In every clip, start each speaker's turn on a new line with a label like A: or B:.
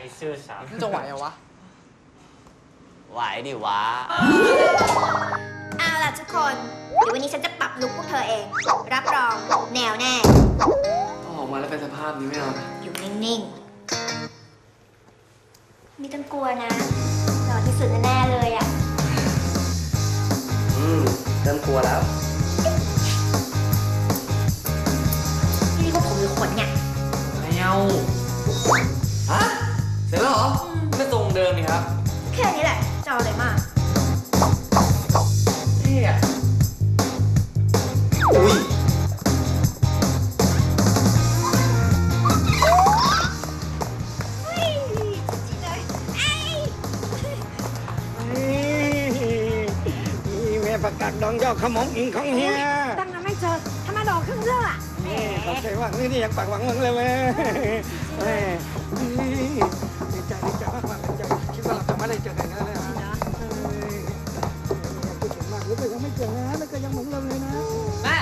A: ซื่อสัตย์
B: จะไหวเหรอวะ
A: ไหวดิวะ
C: เอาล่ะทุกคนเดี๋ยววันนี้ฉันจะปรับลุคพวกเธอเอง รับรองแนวแน่
B: ออกมาแล้วเป็นสภาพนี้ไม่เอา
C: อยู่นิ่งๆไม่ต้องกลัวนะหล่อที่สุดแน่ๆเลยอ่ะ
B: เริ่มกลัวแล้ว
C: นี่พวกผมหรือขนเนี่ย
B: ไม่เอาฮะเสร็จแล้วเหรอไม่ตรงเดิมนี่ครับ
C: แค่นี้แหละจะเอาอะไรมาก
B: นี่อ่ะอุ้ย
D: ประกาศดองยอดขมงอิงของเฮีย
C: ตั้งนั้นไม่เจอทำไมดอกครึ่งเรื่องอ่ะ
D: นี่เขาใจว่านี่ยังปากหวังมึงเลยเว้ยดีใจมากๆคิดว่าเราจะไม่ได้เจอกันแล้วนะพูดถึงมากแล้วก็ยังไม่เจอนะแล้วก็ยังเหมือนเราเลยนะ
B: แม่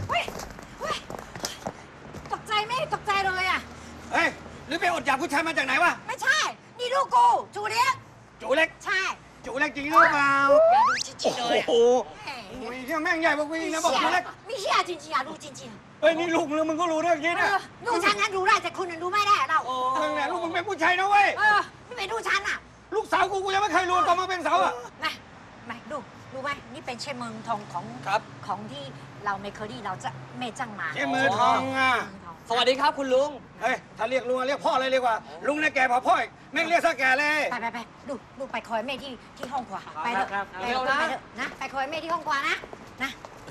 C: ตกใจไม่ตกใจเลยอ่ะ
D: เฮ้ยหรือไปอดอยากผู้ชายมาจากไหนวะ
C: ไม่ใช่นี่ลูกกูจูเล็ก
D: จูเล็ก
C: ใช่
D: จูเล็กจริงหรือเปล่า
C: อย่าดูจริงๆเลย
D: โอ้โหเฮียแม่งใหญ่กว่ากูอีกนะบอกจูเล็ก
C: ไม่เฮียจริงๆอ่ะดูจริง
D: ๆเฮ้ยนี่ลูกมึงก็รู้เรื่องนี้นะ
C: ลูกฉันนั้นรู้ได้แต่คุณนั้นรู้ไม่ได้เรา
D: มึงเนี่ยลูกมึงเป็นผู้ชายนะเว้ย
C: ไม่เป็นลูกฉันอ่ะ
D: ลูกสาวกูยังไม่เคยรู้ตอนมาเป็นสาวอ่ะ
C: ไม่ดูรู้ไหมนี่เป็นเชฟเมืองทองของที่เราเมเคอรี่เราจะเมจังมา
D: เชฟมือทองอ่ะ
B: สวัสดีครับคุณลุง
D: เฮ้ยถ้าเรียกลุงเรียกพ่อเลยดีกว่าลุงเนี่ยแก่พอพ่อแม่งเรียกซะแก่เลย
C: ไปดูไปคอยเมย์ที่ห้องขวาไปเถอะนะไปคอยเมย์ที่ห้องขวานะ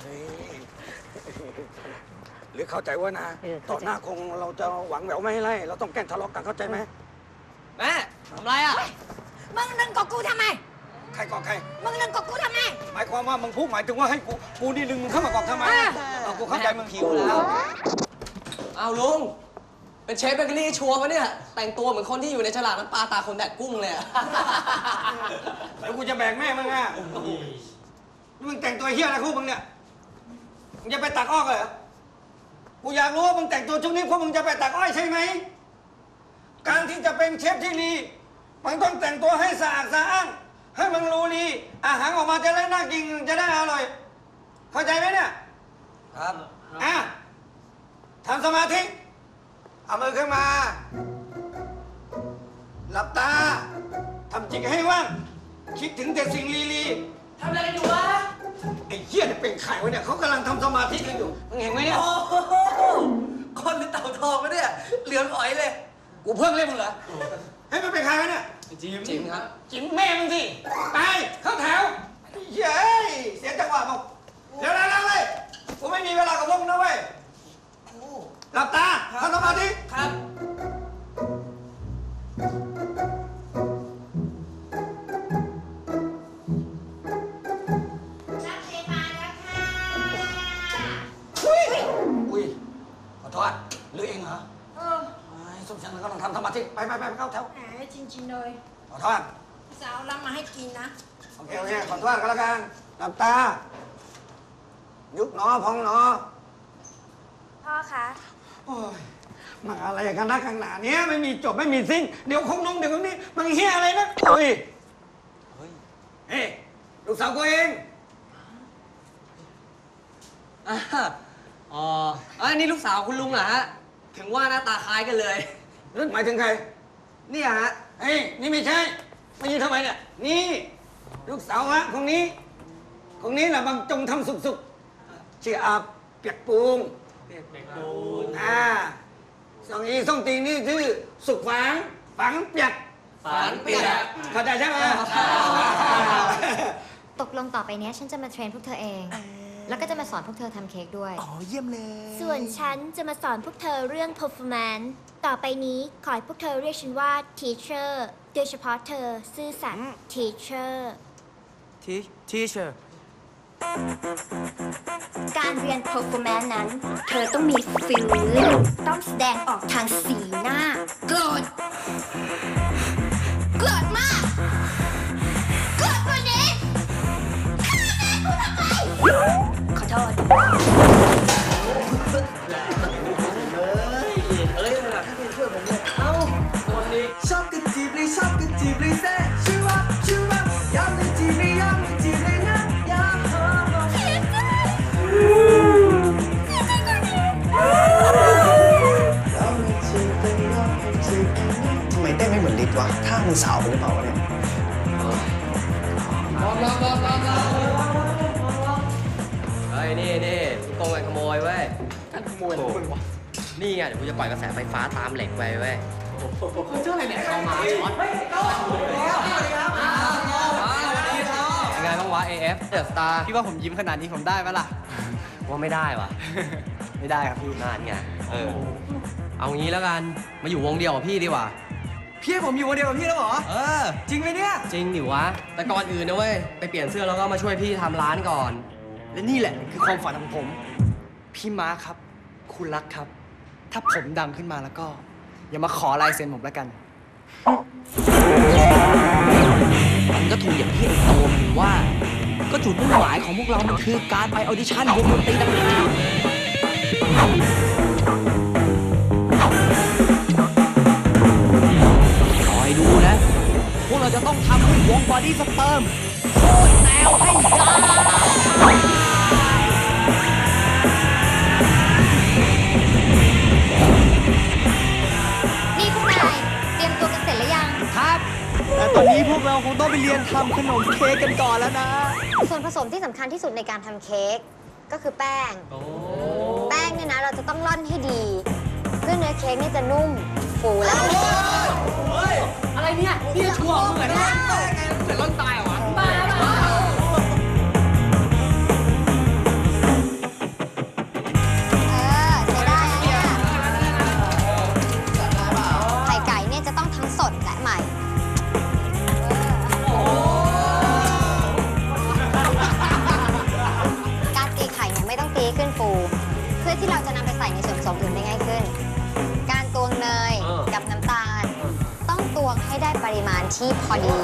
D: หรือเข้าใจว่านะต่อหน้าคงเราจะหวังแหววไม่ให้ไล่เราต้องแกล้งทะเลาะกันเข้าใจไหม
B: แม่ทำไรอ่ะ
C: มึงนึงกับกูทำไม
D: ใครกอกใคร
C: มึงนึงกับกูทำไม
D: หมายความว่ามึงพูดหมายถึงว่าให้กูนี่ดึงมึงเข้ามากอกทำไมกูเข้าใจมึง
B: หิวแล้วเอาลุงเป็นเชฟเบเกอรี่ชัวร์ปะเนี่ยแต่งตัวเหมือนคนที่อยู่ในฉลากน้ำปลาตาคนแดดกุ้งเลย
D: แล้วกูจะแบ่งแม่มึงอ่ะมึงแต่งตัวเฮี้ยอะไรคู่มึงเนี่ยมึงจะไปตักอ้อยเหรอกูอยากรู้ว่ามึงแต่งตัวชุดนี้เพราะมึงจะไปตักอ้อยใช่ไหมการที่จะเป็นเชฟที่ดีมันต้องแต่งตัวให้สะอาดสะอ้านให้มันรู้ดีอาหารออกมาจะได้น่ากินจะได้อร่อยเข้าใจไหมเนี่ยครับทำสมาธิเอามือขึ้นมาหลับตาทำจิตให้ว่างคิดถึงแต่สิ่งลี
B: ๆทำอะไรกันอยู่วะ
D: ไอ้เหี้ยเนี่ยเป็นไข่วะเนี่ยเขากำลังทำสมาธิกันอยู่มึงเห็นไหมเนี่ย
B: คนหรือเต่าทองวะเนี่ยเหลืองอ๋อยเลย
D: กูเพิ่งเล่นมึงเหรอให้มันเป็นใครวะเนี่ย
B: จิ๋มครับ
D: จิ๋มแม่มึงสิไปเข้าแถวเย้เสียจังหวะมึงเร็วเลยกูไม่มีเวลากับพวกมึงนะเว้ยหลับตาทำสมาธิ
B: ครับ
C: นักเรียนมาแล้วค่ะ
D: อุ้ยขอโทษหรือเองเหรอสมชันก็ต้องทำสมาธิไปเข้าแถว
C: แหมจริงๆเลย
D: ขอโทษ
C: สาวรับมาให้กินนะ
D: โอเคขอโทษกันแล้วกันหลับตายุบหนอพองหนอ
C: พ่อคะ
D: โอ้ยมาอะไรกันนะข้างหน้านี้ไม่มีจบไม่มีสิ้นเดี๋ยวคงน้องเดี๋ยวนี้มันเฮี้ยอะไรนะโอ้ยเฮ้ลูกสาวกูเอง
B: อันนี้ลูกสาวคุณลุงเหรอฮะถึงว่าหน้าตาคล้ายกันเลย
D: นั่นหมายถึงใคร
B: นี่ฮะ
D: เฮ้ยนี่ไม่ใช่ไม่ยืนทำไมเนี่ยนี่ลูกสาวฮะคนนี้แหละบางจงทำสุกชื่ออาเปียกปูงสองอีส่งตีนี่ชื่อสุกฝังเปียกเข้าใจใช่ไหม
C: ตกลงต่อไปเนี้ยฉันจะมาเทรนพวกเธอเองแล้วก็จะมาสอนพวกเธอทำเค้กด้วย
D: เยี่ยมเลย
C: ส่วนฉันจะมาสอนพวกเธอเรื่อง performance ต่อไปนี้ขอให้พวกเธอเรียกฉันว่า teacher โดยเฉพาะเธอซื่อสัตย์ teacher การเรียน performance นั้นเธอต้องมี feeling ต้องแสดงออกทางสีหน้าโกรธมากโกรธกว่านี้ฆ่าแม่กูทำไมขอโทษ
B: ชอบกระจิบฤทธิ์วะท่ามึงสาวหรือเปล่าวะเนี่ยเฮ้ยนี่พี่โกงกันขโมยเว้ยกันขโมยมึงวะนี่ไงเดี๋ยวกูจะปล่อยกระแสไฟฟ้าตามเหล็กไปเว้ยเจ้าอะไรเนี่ยเข้ามาช็อตยังไงบ้างวะ AF เดอะสตาร์พี่ว่าผมยิ้มขนาดนี้ผมได้ไหมล่ะว่าไม่ได้วะไม่ได้ครับพี่นานไงเอางี้แล้วกันมาอยู่วงเดียวกับพี่ดีกว่าพี่ให้ผมอยู่วงเดียวกับพี่แล้วเหรอจริงไหมเนี่ยจริงดิวะแต่ก่อนอื่นนะเว้ยไปเปลี่ยนเสื้อแล้วก็มาช่วยพี่ทำร้านก่อนและนี่แหละคือความฝันของผมพี่ม้าครับคุณรักครับถ้าผมดังขึ้นมาแล้วก็อย่ามาขอลายเซ็นผมแล้วกันมันก็ถูกอย่างที่ไอ้โตมันว่าก็จุดมุ่งหมายของพวกเรามันคือการไปออดิชั่นวงดนตรีต่างหากคอยดูนะพวกเราจะต้องทำให้วงบอดี้สเปิร์มโคตรแนวให้ได้
C: นี่พวกนายเตรียมตัวกันเสร็จหรือยัง
B: ครับแต่ตอนนี้พวกเราคงต้องไปเรียนทำขนมเค้กกันก่อนแล้วนะ
C: ส่วนผสมที่สำคัญที่สุดในการทำเค้กก็คือแป้งแป้งเนี่ยนะเราจะต้องร่อนให้ดีเพื่อเนื้อเค้กนี่จะนุ่มฟูและอะไรเนี่ยนี่ชัวร์เหมือนกันเหมือนร่อนตายเหรอวะบ้าใช้ได้เนี่ยไข่ไก่เนี่ยจะต้องทั้งสดและใหม่การตีไข่เนี่ยไม่ต้องตีขึ้นฟูเพื่อที่เราจะนำไปใส่ในส่วนผสมอื่นได้ง่ายขึ้นการตวงเนยกับน้ำตาลต้องตวงให้ได้ปริมาณที่พอดี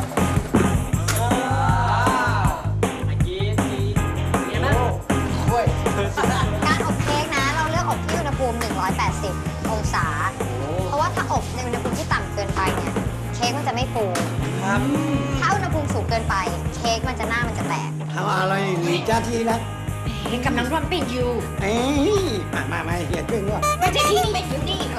C: การอบเค้กนะเราเลือกอบที่อุณหภูมิ180องศาเพราะว่าถ้าอบในอุณหภูมิที่ต่ำเกินไปเนี่ยเค้กมันจะไม่ฟูถ้าอุณหภูมิสูงเกินไปเค้กมันจะมันจะแตก
D: ทำอะไรหลีจ้าทีละ
E: กำลังร่อนปิ้งอยู่
D: เอ้ยมาเฮียช่วยด้วย
E: ไม่ใช่ที่นี่เป็นอยู่นี่